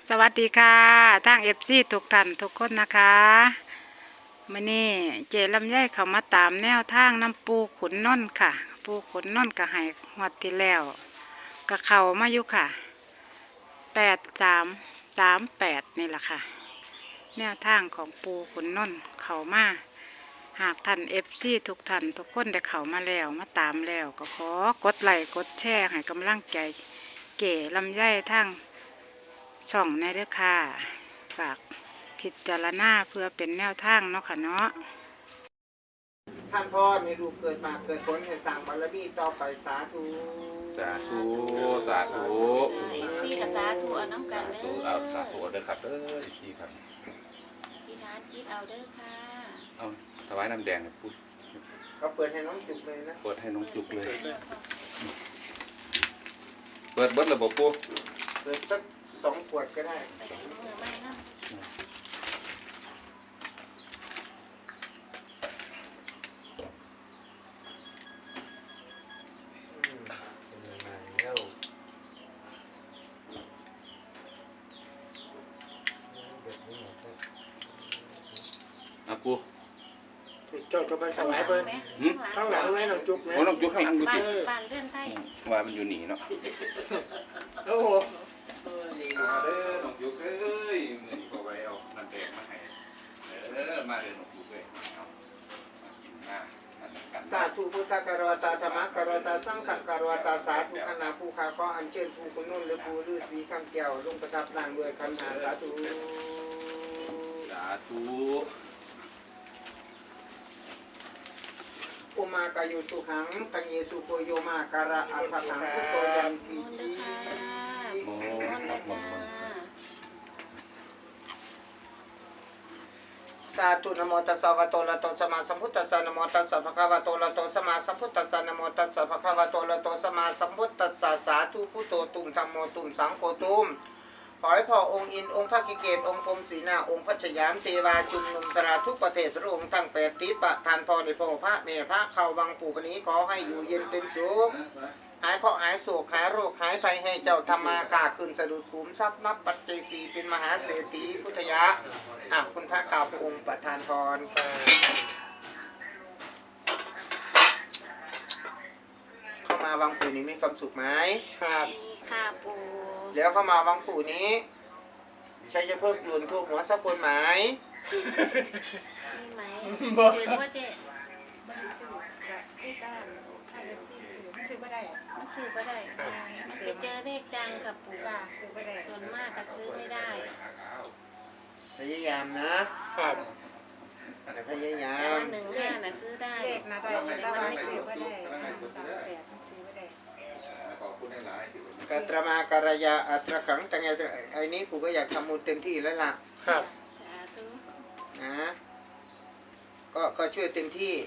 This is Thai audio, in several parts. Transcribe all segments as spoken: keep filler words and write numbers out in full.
สวัสดีค่ะทางเอฟซีทุกท่านทุกคนนะคะมื่อนี้เจลำไยเขามาตามแนวทางน้ำปูขุนนนท์ค่ะ ปูขุนนนท์ก็ให้งวดที่แล้วก็เข้ามาอยู่ค่ะแปดสามสามแปดนี่แหละค่ะ แนวทางของปูขุนนนท์เข้ามาหากท่านเอฟซีทุกท่านทุกคนได้เข้ามาแล้วมาตามแล้วก็ขอกดไลค์กดแชร์ให้กำลังใจเก๋ลำไยทางช่องในเด้อค่ะฝากพิจารณาเพื่อเป็นแนวทางเนาะค่ะเนาะท่านพ่อมีลูกเกิดมาเกิดผลให้สร้างบารมีต่อไปสาธุสาธุสาธุอีกสี่กับสาธุเอาน้ำกันเด้อเอาสาธุเด้อครับเด้ออีกทีครับที่ร้านคิดเอาเด้อค่ะเอาถวายน้ำแดงพูดก็เปิดให้น้องจุกเลยนะเปิดให้น้องจุกเลยเปิดเบิดระบบปูเปิดสักสองขวดก็ได้ไปถึงมือไม่นะเอาปูเจ้าจะไปถวายเปิ้ลข้างหลังไว้น้องจุกนะโอ้น้องจุกข้างหลังดูบ้าสินบ้านเลื่อนไทยว่ามันอยู่หนีเนาะโอ้โหมาเด้อน้องจุกเอ้ยมือก็ไว้เอาน้ำแดงมาให้เออมาเด้อน้องจุกเอ้ยเอากินมากันสาธุพุทธกรวตาธรรมกรวตาสังฆกรวตาสาธุคณะผู้ค้าขออัญเชิญผู้คนนุ่นหรือผู้ฤาษีคำแก้วลงประทับร่างด้วยคันหาสาธุสาธุอุมากายุสุขังตังเยสุโกโยมาการะอัฏฐังพุทโธยันติมุนเด้อค่ะมุนเด้อจ้าสาธุนะโมตัสสะภะคะวะโตอะระหะโตสัมมาสัมพุทธัสสะนะโมตัสสะภะคะวะโตอะระหะโตสัมมาสัมพุทธัสสะนะโมตัสสะภะคะวะโตอะระหะโตสัมมาสัมพุทธัสสะสาธุพุทโธตุมธัมโมตุมสังโฆตุมขอให้พ่อองค์อินองค์พระกิเกตองค์พรหมศรีนาองค์พระชยามเทวาชุมนุมตราทุกประเทศพระองค์ทั้งแปดทิศประทานพรในพระพระเมพระเข้าวังปู่ปนี้ขอให้อยู่เย็นเป็นสุขหายเคราะห์หายโศกหายโรคหายภัยให้เจ้าธรรมาค้าขึ้นสะดุดขุมทรัพย์นับปัจจัยสี่เป็นมหาเศรษฐีพุทธยะอ่ะคุณพระกล่าวพระองค์ประทานพรเข้ามาวังปู่นี้มีความสุขไหมครับมีค่ะปูแล้วเข้ามาวังปู่นี้ใช้จะเพิกหลุนทุกหัวสักคนไหมมีไหมถือว่าเจ๊มันซื้อแบบที่ด้านค่าเล็บซี่ซื้อไม่ได้มันซื้อไม่ได้ไปเจอเลขดังกับปูกาซื้อไม่ได้ส่วนมากก็ซื้อไม่ได้พยายามนะครับแต่พยายาแต่มว่าหนึ่งห้าน่ะซื้อได้เลขนะได้แต่ว่าไม่ซื้อก็ได้ห้าสามแปดซื้อก็ได้ขอบคุณหลายๆกัตรมาการยาอัตรขังตังไงไอ้นี้ปู่ก็อยากทำมูลเต็มที่แล้วล่ะครับสาธุนะก็ก็ช่วยเต็มที่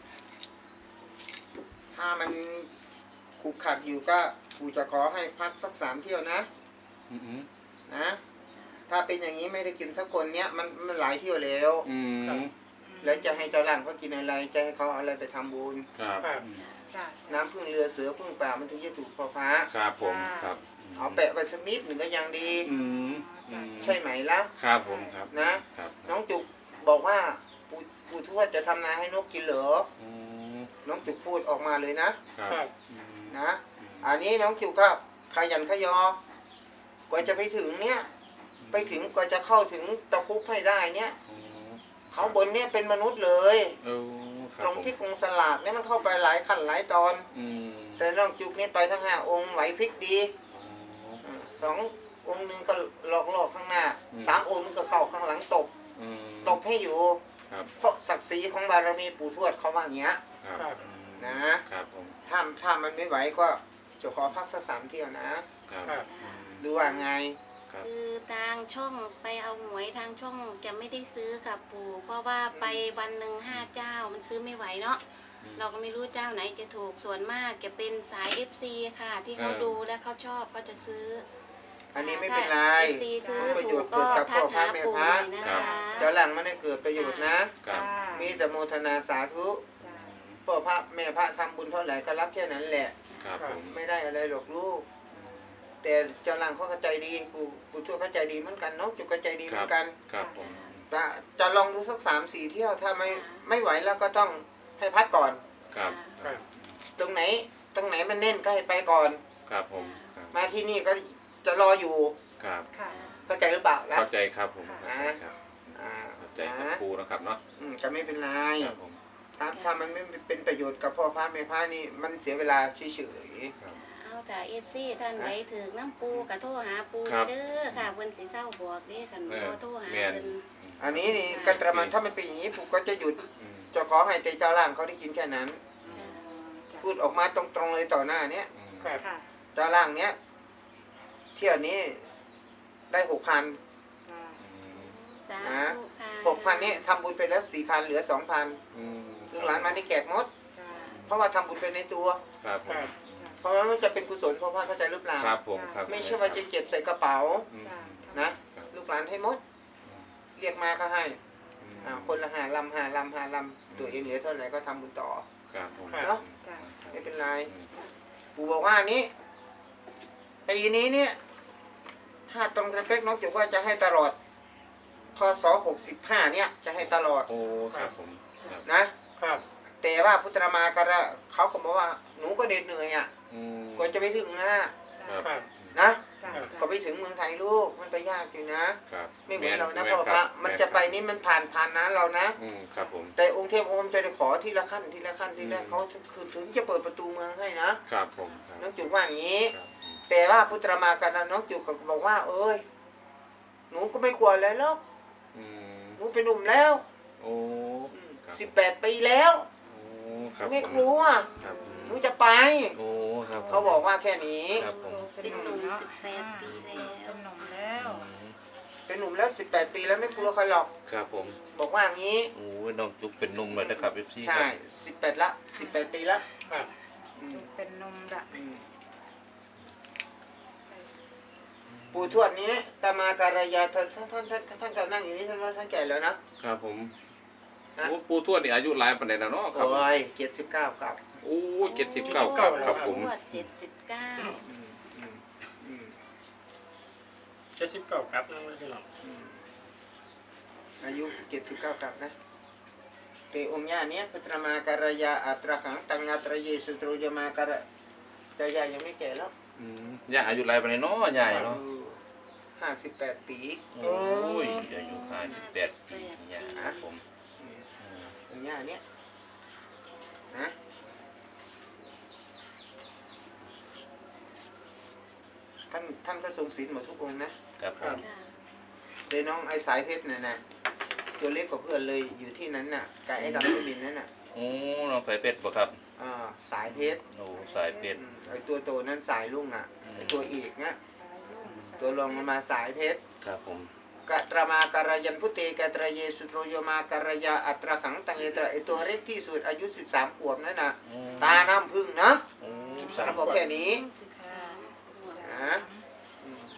ถ้ามันขุกขัดอยู่ก็ปู่จะขอให้พักสักสามเที่ยวนะอืมนะถ้าเป็นอย่างนี้ไม่ได้กินสักคนเนี้ยมันมันหลายเที่ยวแล้วอืมแล้วจะให้เจ้าหลังเขากินอะไรจะให้เขาเอาอะไรไปทำบุญครับจ้ะน้ำพึ่งเรือเสือพึ่งป่ามันถึงจะถูกพอฟ้าครับผมครับเอาแปะไว้สักนิดหนึ่งก็ยังดีอืมอืมใช่ไหมล่ะครับผมครับนะครับน้องจุกบอกว่าปู่ปู่ทวดจะทำนาให้นกกินเหรออืมน้องจุกพูดออกมาเลยนะครับอืมนะอันนี้น้องจุกก็ขยันขยอกว่าจะไปถึงเนี้ยไปถึงกว่าจะเข้าถึงตะคุบให้ได้เนี้ยอืมเขาบนเนี้ยเป็นมนุษย์เลยเออครัตบรงที่กรงสลากเนี่ยมันเข้าไปหลายขั้นหลายตอนอืมแต่น้องจุกนี่ไปทั้งห้าองค์ไหวพริกดีอ๋ออ่าสององค์หนึ่งก็หลอกหลอกข้างหน้าอืมสามองค์นึงก็เข้าข้างหลังตบอืมตบให้อยู่ครับเพราะศักดิ์ศรีของบารมีปู่ทวดเขาว่าอย่างเงี้ยครับนะครับผมถ้าถ้ามันไม่ไหวก็จะขอพักสักสามเที่ยวนะครับ ดูว่าไงครับคือทางช่องไปเอาหวยทางช่องจะไม่ได้ซื้อกับปู่เพราะว่าไปวันหนึ่งห้าเจ้ามันซื้อไม่ไหวเนาะ เราก็ไม่รู้เจ้าไหนจะถูกส่วนมากจะเป็นสาย เอฟ ซี ค่ะ ที่เขาดูและเขาชอบเขาจะซื้ออันนี้ไม่เป็นไรเอฟซีซื้อประโยถูชกน์ก็เกิดกับทักพ่อพระหาแม่ปู่พระหน่อยนะคะเจ้าหลังไม่ได้เกิดประโยชน์นะครับมีแต่โมทนาสาธุจ้ะพ่อพระแม่พระทำบุญเท่าไหร่ก็รับแค่นั้นแหละครับผมไม่ได้อะไรหรอกลูก แแต่เจ้าล่างเขาเข้าใจดีปู่ปู่ทวดเข้าใจดีเหมือนกันน้องจุกเข้าใจดีเหมือนกันครับผมจะจะลองดูสักสามสี่เที่ยวถ้าไม่ไม่ไหวแล้วก็ต้องให้พักก่อนครับครับตรงไหนตรงไหนมันเน่นก็ให้ไปก่อนครับผมครับมาที่นี่ก็จะรออยู่ครับค่ะเข้าใจหรือเปล่าแล้วเข้าใจครับผมอ่าครับอ่าเข้าใจครับครูนะครับเนาะอืมจะไม่เป็นไรครับผมถ้าถ้ามันไม่เป็นประโยชน์กับพ่อพระแม่พระนี่มันเสียเวลาเฉยครับเอาจากเอฟซีท่านใดถึงน้ำปูกะโทรหาปูครับเด้อค่ะเพิ่นสิเศร้าบอกเด้คันเออบ่โทรหาแม่นเพิ่นๆอันนี้นี่กัตระมันถ้ามันเป็นอย่างนี้ปู่ก็จะหยุดอืมจะขอให้แต่เจ้าล่างเขาได้กินแค่นั้นจ้ะพูดออกมาตรงๆเลยต่อหน้าเนี้ยอืมค่ะเจ้าล่างเนี้ยเที่ยวนี้ได้หกพันจ้ะสานะธุค่ะหกพันนี้ทำบุญไปแล้วสี่พันเหลือสองพันอืมลูกหลานมาได้แจกหมดจ้ะเพราะว่าทำบุญไปในตัวครับผมเพราะว่ามันจะเป็นกุศลพ่อพระเข้าใจหรือเปล่าครับผมครับไม่ใช่ว่าจะเก็บใส่กระเป๋าอืมจ้ะนะครับลูกหลานให้หมด เรียกมาก็ให้อืมอ่าคนละห้าลำห้าลำห้าลำตัวเองเหลือเท่าไหร่ก็ทำบุญต่อครับผมเนาะจ้ะไม่เป็นไรอืมปู่บอกว่านี้ปีนี้เนี่ย ถ้าตรงกระเป๊กน้องจุกว่าจะให้ตลอดพศหกสิบห้าเนี่ย จะให้ตลอดโอ้ครับผมครับนะครับ แต่ว่าพุทธมาการะเขาก็บอกว่าหนูก็เหน็ดเหนื่อยอ่ะอืมกว่าจะไปถึงนะครับครับนะจ้ะก็ไปถึงเมืองไทยลูกมันไปยากอยู่นะครับไม่เหมือนเรานะแพ่อพระคบมันจะไปนี่มันผ่านผ่านนะเรานะอืมครับผมแต่องค์เทพองค์จะได้ขอทีละขั้นทีละขั้นทีละอืมเขาคือถึงจะเปิดประตูเมืองให้นะครับผมครับน้องจุกว่าอย่างนี้ครับอืมแต่ว่าพุทธมาการะน้องจุกก็บอกว่า เอ้ยหนูก็ไม่กลัวอะไรหรอกอืมหนูเป็นหนุ่มแล้วโอ้ครับสิบแปดปีแล้วโอ้ครับไม่ผมกลัวครับหนูจะไปโอ้ครับผมเขาบอกว่าแค่นี้ครับผมเป็นหนุ่มสิบแปดปีแล้วเป็นหนุ่มแล้วอืมเป็นหนุ่มแล้วสิบแปดปีแล้วไม่กลัวใครหรอกครับผมบอกว่าอย่างนี้โอ้ยน้องจุกเป็นหนุ่มเลยนะครับเอฟซีใช่สิบแปดละสิบแปดปีละครับอืมเป็นหนุ่มละอืมปู่ทวดนี้ตามาการยาท่านท่านท่านท่านท่านกำลังนั่งอยู่นี่ท่านว่าท่านแก่แล้วนะครับผมนะโอ้ปู่ทวดนี่อายุหลายปานใดนะเนาะครับโอ้ยเจ็ดสิบเก้ากับโอ้เจ็ดสิบเก้าครับครับผมทวดเจ็ดสิบเก้าอืมอืมอืมเจ็ดสิบเก้าครับนั่งไม่ใช่หรอกอืมอายุเจ็ดสิบเก้ากับนะเตองค์ย่าเนี้ยพุทธมาการยาอัตราขังตังอัตระเยสุตรุยมาการะแต่ยายยังไม่แก่แล้วอืมย่าอายุหลายปานใดเนาะยายเนาะห้าสิบแปดปีโอ้ยอายุห้าสิบแปดปีย่าครับผมอืมอืมองค์ย่าเนี้ยนะท่านท่านก็ทรงศีลหมดทุกองค์นะครับผมค่ะเลยน้องไอ้สายเพชรน่ะนะตัวเล็กกว่าเพื่อนเลยอยู่ที่นั้นน่ะกับไอ้ดำที่ดินนั่นน่ะโอ้น้องสายเป็ดบ่ครับอ่าสายเพชรโอ้สายเป็ดอืมไอ้ตัวโตนั้นสายลุงอ่ะอืมไอ้ตัวอีกนะสายยุ่งตัวรองลงมาสายเพชรครับผมกะตรมาการยันพุเตกะตระเยสุโตรโยมาการยาอัตราขังตังเยตระไอ้ตัวเล็กที่สุดอายุสิบสามขวบนั่นน่ะอืมตาน้ำพึ่งนะโอ้สามบอกแค่นี้สิบสามขวบนะอืม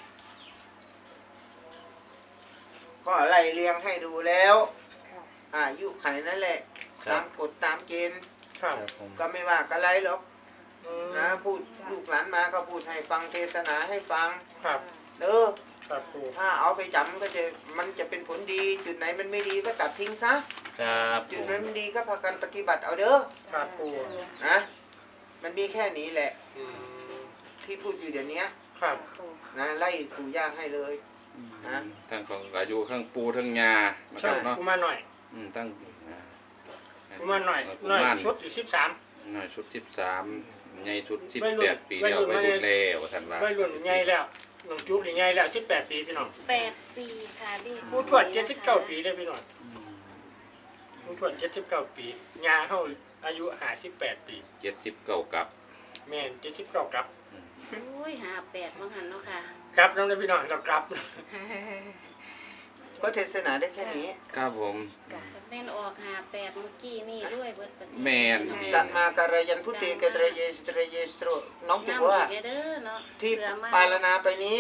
ก็ไล่เรียงให้ดูแล้วค่ะอายุไขนั่นแหละครัตาบมกฎตามเกณฑ์ครับครับผมก็ไม่ว่ากันไรหรอกอืมนะพูดลูกหลานมาก็พูดให้ฟังเทศนาให้ฟังครับเด้อครับครูถ้าเอาไปจำก็จะมันจะเป็นผลดี จุดไหนมันไม่ดีก็ตัดทิ้งซะครับผจุดมไหนมันดีก็พากันปฏิบัติเอาเด้อครับครูนะมันมีแค่นี้แหละอืมที่พูดอยู่เดี๋ยวนี้ครับนะไล่ปู่ย่าให้เลยนะทั้งของอายุทั้งปูทั้งยานะคใช่รับเนาะกูมาหน่อยอืมตั้งนะกูมาหน่อยกุหน่อยมารชุดสิบสามหน่อยชุดสิบสามใหญ่ชุดสิบวัยรุ่แปนดปีวัยแล้วรุ่นวัยรุ่นวัยแล้วท่านว่าวัยรุ่นใหญ่แล้วน้องจุ๊บนี่ใหญ่แล้วสิบแปดปีพี่น้องแปดปีค่ะดิผู้ทวดเจ็ดสิบเก้าปีเลยพี่น้องอืมผู้ทวดเจ็ดสิบเก้าปียาเขาอายุห้าสิบแปดปีเจ็ดสิบเก้ากับแม่นเจ็ดสิบเก้ากับอืมโอ้ยหาแปดมั้งหันเนาะค่ะกลับน้องเลยพี่น้องเรากลับก็เทศนาได้แค่นี้ครับผมจะเป็นออกหาแปดเมื่อกี้นี่ด้วยเบิดประเทศแม่นตะมาการยันพุเตกะตระเยสุตระเยสโตรน้องจุน้ำกว่าอีกเด้อเนาะที่เสือมากปาลนาไปนี้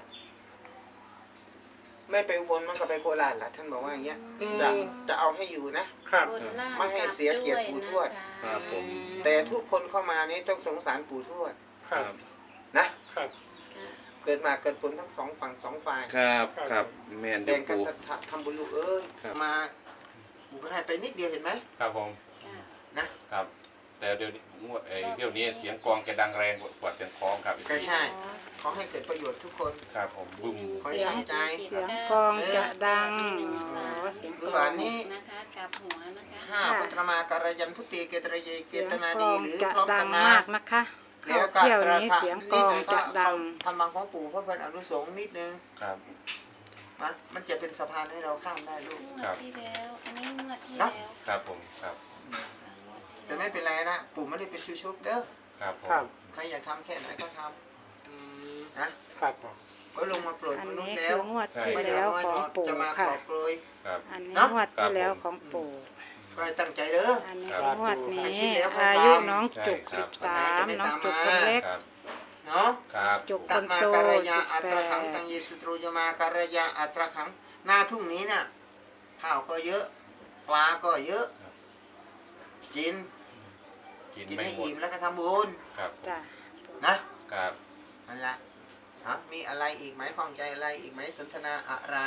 ไม่ไปอุบนมันก็ไปโคราชล่ะท่านบอกว่าอย่างเงี้ยอืมจะจะเอาให้อยู่นะครับบนล่างไม่ให้เสียเกียรติปู่ทวดกลับด้วยนะคะครับผมแต่ทุกคนเข้ามานี้ต้องสงสารปู่ทวดครับนะครับค่ะเกิดมาเกิดผลทั้งสองฝั่งสองฝ่ายครับครับแม่นเดี๋แบ่ยวงกันปูทำบุญลูกเอ้ยครับมาบุญก็ให้ไปนิดเดียวเห็นไหมครับผมจ้ะนะครับแต่เดี๋ยวนี้งวดไอ้เที่ยวนี้เสียงกลองจะดังแรงกว่าเสียงคล้องครับก็ใช่ ขอให้เกิดประโยชน์ทุกคนครับผมบึ้มขอให้ตั้งใจเสียงกลองจะดังอ๋อเสียงลูกกลหอลาง นนี้นะคะกลับหัวนะคะห้าพุทธมาการยันพุทธิเกตระเยเกเสียงตนากลดีองหรือจะพร้อมดักังนนะมากนะคะแล้เข้าวก็เที่ยวนี้เสียงกลองจะดังทำบางของปู่เพื่อเป็นอนุสงฆ์นิดนึงครับนะมันจะเป็นสะพานให้เราข้ามได้ลูกงวดที่แล้ว อันนี้งวดที่เนอะแล้วครับผมครับค่ะงวดที่แต่ไม่เป็นไรนะ ปู่ไม่ได้เป็นชูชุบเด้อครับผมครับใครอยากทำแค่ไหนก็ทอืมำนะครับก็ลงมาโปรดอันมนุษนี้ย์คืแล้วองวดที่ไม่ได้แล้วเอาของมาปู่จะมากค่ะรอบโปรยครับอันนี้เนอะงวดที่แล้วของปู่ก็ให้ตั้งใจเด้ออันนี้ครับงวดนี้อาทิตย์แล้วก็อายุตามน้องจุกใช่สิบครัสาบมน้องจุกคนเล็กครับเนาะครับจุกคตัดนมาโตการสิยาบอัแปตราขังดตังเยสุตรูยมาการยาอัตราขังหน้าทุ่งนี้น่ะข้าวก็เยอะ ปลาก็เยอะกินกินกินไม่ให้หมดอิ่มแล้วก็ทำบุญครับจ้ะนะครับ นั่นแหละฮะมีอะไรอีกไหมข้องใจอะไรอีกไหมสนทนาอะไร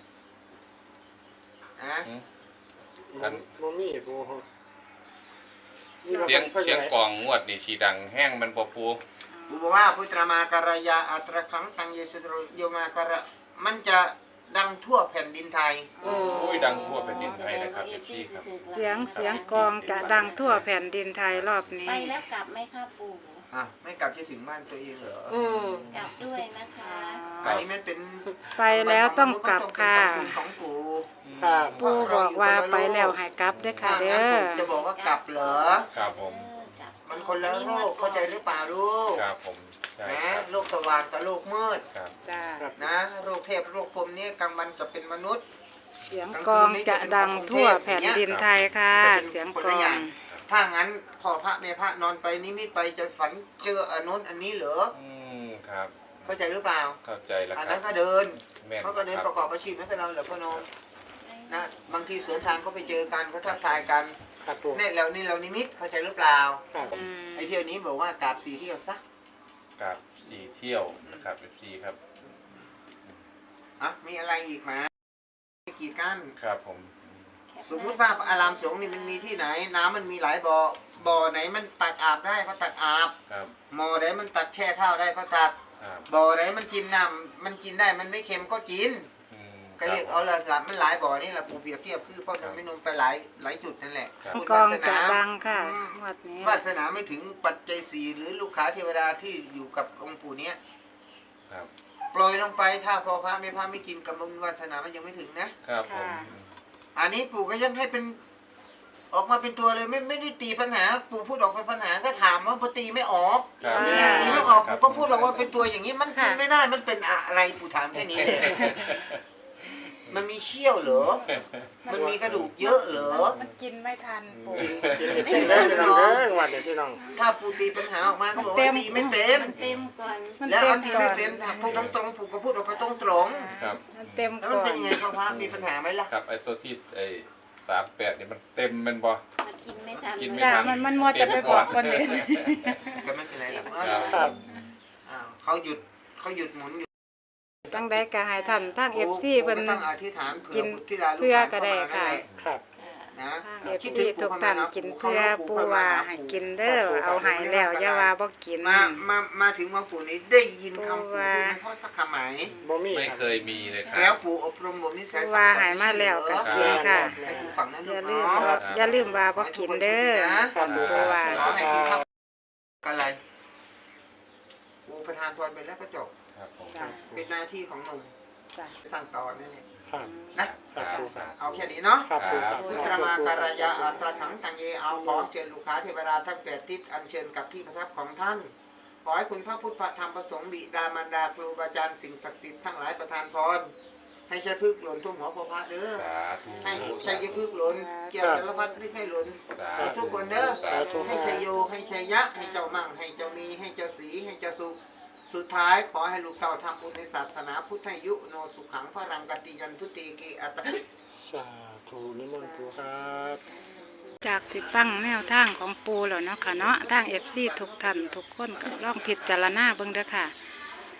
นะอืมมันมันมีปูมีเสียงพ่อเสียงใหญ่กลองงวดนี่ชีดังแห้งมันบ่ปูกูบอกว่าพุทธมาการยาอัตราขังตังเยสุตรูยมาการะมันจะดังทั่วแผ่นดินไทยโอ้ยดังทั่วแผ่นดินไทยนะครับเอฟซีครับเสียงเสียงกลองจะดังทั่วแผ่นดินไทยรอบนี้ไปแล้วกลับไหมคะปู่อ่ะไม่กลับจะถึงบ้านตัวเองเหรออืมกลับด้วยนะคะอันนี้มันเป็นไปแล้วต้องกลับค่ะมันต้องเป็นกลางคืนของปู่ครับปู่บอกว่าไปแล้วให้กลับเด้อค่ะถ้าเด้งั้นอปู่จะบอกว่ากลับเหรอครับผมเออกลับมันคนละโลกเข้าใจหรือเปล่าลูกครับผมใช่นะครับ โลกสว่างกับโลกมืดครับจ้าครับนะโลกเทพโลกพรหมนี่กลางวันจะเป็นมนุษย์เสียงกลองจะดังทั่วแผ่นดินไทยค่ะ เสียงกลองถ้างั้นพอพระแม่พระนอนไปนิมิตไปจะฝันเจออันนู้นอันนี้เหรออืมครับเข้าใจหรือเปล่าเข้าใจแล้วอันครันั้บนก็เดินแม่นเขาก็เดินคปรับระกอบอาชีพให้กับเราเหรอพ่อโนมนะบางทีสวนทางก็ไปเจอกันก็ทักทายกันครับปูเนี่ยเรานี่เรานิมิตเข้าใจหรือเปล่าครับอืมไอ้เที่ยวนี้บอกว่ากราบสีเที่ยวซะกับสี่เที่ยวนะครับเอฟซีครับอ่ะมีอะไรอีกไหมกีดกันครับผมสมมุติว่าอารามสงฆ์นี่มันมีที่ไหน น้ำมันมีหลายบ่อบ่อไหนมันตักอาบได้ก็ตักอาบครับหม้อไหนมันตักแช่ข้าวได้ก็ตักครับบ่อไหนมันกินน้ำมันกินได้มันไม่เค็มก็กินอืมก็เรียกเอาละละมันหลายบ่อนี่แหละปูเปรียบเทียบคือพ่อหนุ่มไม่นุ่มไปหลายหลายจุดนั่นแหละครับบุญกลองวาสจะนาดังค่ะอืมงวดนี้วาสนาไม่ถึงปัจจัยสี่หรือลูกค้าเทวดาที่อยู่กับองค์ปู่เนี้ยครับโปรยลงไปถ้าพอพระไม่พระไม่กินกับบุญวาสนามันยังไม่ถึงนะครับผมอันนี้ปู่ก็ยังให้เป็น ออกมาเป็นตัวเลยไม่ไม่ได้ตีปัญหา ปู่พูดออกไปปัญหาก็ถามว่าปู่ตีไม่ออกครับตีไม่ออกปู่ก็พูดออกว่าเป็นตัวอย่างนี้มันกินไม่ได้มันเป็นอะไรปู่ถามแค่นี้เลย มันมีเชี่ยวเหรอ มันมีกระดูกเยอะเหรอมันกินไม่ทันปู่กินไม่กินได้พี่น้องเด้อวันเดียวพี่น้องถ้าปู่ตีปัญหาออกมาก็บอกเต็ว่าม ตีไม่เป็นมันเต็มก่อนมันแล้วเต็เอามตีก่อไม่นเป็นพูดตรงๆปู่ก็พูดออกไปตรงครับมันเต็มๆแล้วก่มันอเป็นนยังไงพ่อพระมีปัญหาไหมล่ะครับไอ้ตัวที่ไอ้สามแปดเนี่ยมันเต็มแมันบ่มันกินไม่ทันกินไม่จ้าทัมันมันมัวจะไปบอกคนอื่นก็ไม่เป็นไรหรอกครับอ้าวเขาหยุดเขาหยุดหมุนหยุดจังได้ก็ให้ท่านทาง เอฟ ซีเพิ่เพิ่นต้องอธิษฐานเผื่กิอน บุตรธิดาลูกเพื่อหลานก็ได้เข้ามานั่นค่ะแหละครับนะทาง เอฟ ซี ทุกท่านกินเพื่อปูว่าให้กินเด้อเอาให้แล้วอย่าว่าบ่กินมามามาถึงมาปู่นี้ได้ยินคำปู่ว่าพูดนั้นเพราะสักคำไหมบ่มีไม่ครับเคยมีเลยคแล้รัวบปู่อบรมบ่มนิสัยปูว่าให้มาแล้วก็กินค่ะให้ปู่ฟังนะอลูย่าก ลืมเนาะว่าอย่าลืมว่าบ่กินเด้อครับปูปูว่าขอให้กินข้าวกันอะไรปู่ประทานพรไปแล้วก็จบครับผมจ้ะเป็นหน้าที่ของหนุ่มจ้ะสั่งต่อนั่นแหละครับนะครับปูครับเอาแค่นี้เนาะครับปูครับพุทธมาการยาอัตราขังตังเยเอาขอเชิญลูกค้าเทวดาทั้งแปดทิศอัญเชิญกับที่ประทับของท่าน ขอให้คุณพระพุทธพระธรรมประสงค์บิดามารดาครูบาอาจารย์สิ่งศักดิ์สิทธิ์ทั้งหลายประทานพร ให้ใช้พึกษ์หล่นทุ่วมหัวพระพระเด้อสาธุให้ใช้ยพึกษ์หล่นเกี่ยวสารพัดไม่ให้หล่นสาธุทุกคนเด้อสาธุให้ชัยโยให้ชัยยะให้เจ้ามั่งให้เจ้ามีให้เจ้าสีให้เจ้าสุขสุดท้ายขอให้ลูกเต่าทำบุญในศาสนาพุทธยุโนสุขังพรังกติยันทุติเกอัตตะสาธุนิมนต์ปูครับจากที่ฟังแนวทางของปูแล้วเนาะค่ะเนาะทาง เอฟ ซี ทุกท่านทุกคนก็ลองพิจารณาเบิ่งเด้อค่ะ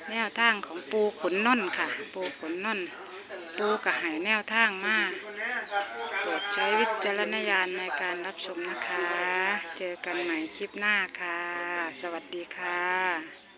แนวทางของปูขุนนนท์ค่ะ ปูขุนนนท์ปูกระหายแนวทางมาโปรดใช้วิจารณญาณในการรับชมนะคะ เจอกันใหม่คลิปหน้าค่ะ สวัสดีค่ะ